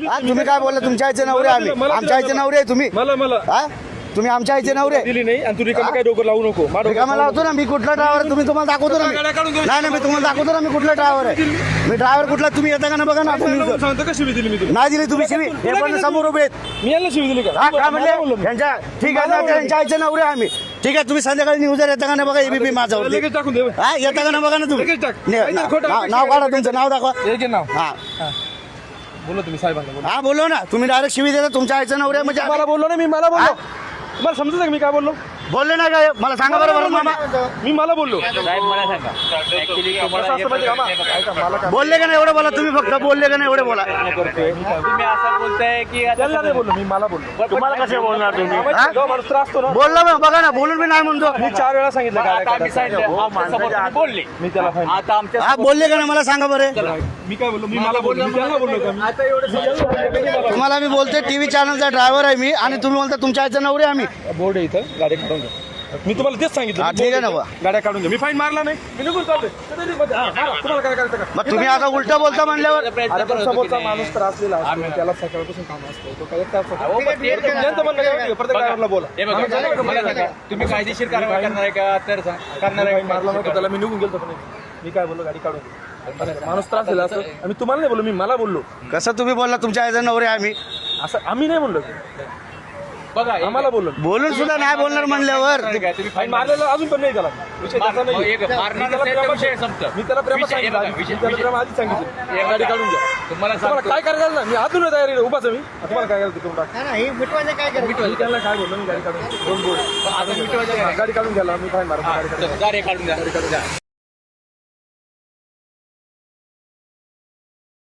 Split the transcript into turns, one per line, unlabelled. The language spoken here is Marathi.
तुम्ही काय बोलला तुमच्या आईचे नवरे आम्ही आमच्या आईचे नवरे आहे तुम्ही हा तुम्ही आमच्या आईचे नवरे
दिली नाही आणि तू रिकामा काय डोकं लावू नको
रिकामा लावतो ना मी कुठला ड्रायव्हर तुम्ही तुम्हाला दाखवतो ना नाही मी तुम्हाला दाखवतो ना मी कुठला ड्रायव्हर आहे मी ड्रायव्हर कुठला तुम्ही येता का ना बघा ना
सांगतो का शिवी दिली मी तुला
नाही दिली तुम्ही शिवी हे पण समोर उभे आहेत
मी यांना शिवी दिली का
काय म्हणले त्यांच्या ठीक आहे ना त्यांच्या आईचे नवरे आम्ही ठीक आहे तुम्ही संध्याकाळी न्यूजर येता का ना बघा एबीपी माझ्यावर
लगेच टाकून दे
हा येता का ना बघा ना तुम्ही
लगेच टाक.
नाव काढा तुमचं नाव दाखवा
एक नाव
हा
बोला तुम्ही साहेबांना बोला
हा बोलो ना तुम्ही डायरेक्ट शिवी देता तुमच्या आईचं नवरे म्हणजे
मला बोललो ना मी मला बोललो तुम्हाला समजत का मी काय बोललो
बोलले ना काय मला सांगा बरोबर मामा
मी मला बोललो
बोलले का नाही एवढं बोला तुम्ही फक्त बोलले का नाही एवढे बोला
तुम्ही असं बोलताय की
त्यांना नाही बोललो मी मला बोललो
तुम्हाला कसे बोलणार तुम्ही
जो माणूस त्रास असतो ना
बोलला मग बघा ना बोलून मी नाही म्हणतो
मी 4 वेळा सांगितलं
आता
काय
आम्ही सांगितलं आमच्यासमोर तुम्ही बोलले
मी त्याला फाईन
आता आमच्या
हा बोलले का नाही मला सांगा बरं
मी काय बोललो मी मला बोललो मी त्यांना बोललो का मी आता एवढं
तुम्हाला मी बोलते टीव्ही चॅनलचा ड्रायव्हर आहे मी आणि तुम्ही बोलता तुमच्या आईचं नवरे आम्ही
बोर्ड आहे इथं गाडी काढून घ्या मी तुम्हाला तेच सांगितलं
हा, ठीक आहे ना बा.
गाड्या काढून घ्या मी फाईन मारला नाही मी निघून चालतोय तुम्हाला काय करायचं का
मग तुम्ही आता उलट बोलता म्हणल्यावर
अरे पण समोरचा माणूस तर असलेला असतो त्याला सकाळपासून काम असतं तो काय एक तास ज्यांचं म्हणणं काय प्रत्येक ड्रायव्हरला बोला
हे बघा, मला सांगा, तुम्ही कायदेशीर कारवाई करणार आहे का तर करणार आहे
मारला नव्हता त्याला मी निघून गेलो पण मी काय बोललो गाडी काढून माणूस त्रास दिला असं आम्ही तुम्हाला नाही बोललो मी मला बोललो
कसं तुम्ही बोलला तुमच्या आईचं नवरे आम्ही
असं आम्ही नाही बोललो
बघा
आम्हाला बोललो
बोलून सुद्धा नाही बोलणार म्हणल्यावर
तुम्ही
फाईन मारलेला अजून पण नाही त्याला विषय त्याचा नाही
एक मारणार नसेल तर विषय संपतं.
मी त्याला प्रेम
विषय- हे बघा,
सांगितलं
विषय-
त्याला प्रेम आधीच सांगितलं
एक
गाडी काढून घ्या
तुम्हाला
तुम्हाला
सांगतो
काय करायचं ना मी अजून तयारी आहे, उभाच आहे मी तुम्हाला काय करायचं करून टाक मी त्यांना काय बोललो मी गाडी काढून दोन बोर्ड
आता मिटवायचं काय?
गाडी काढून घ्यायला मी फाईन मारतो गाडी काढून
गाडी काढून द्या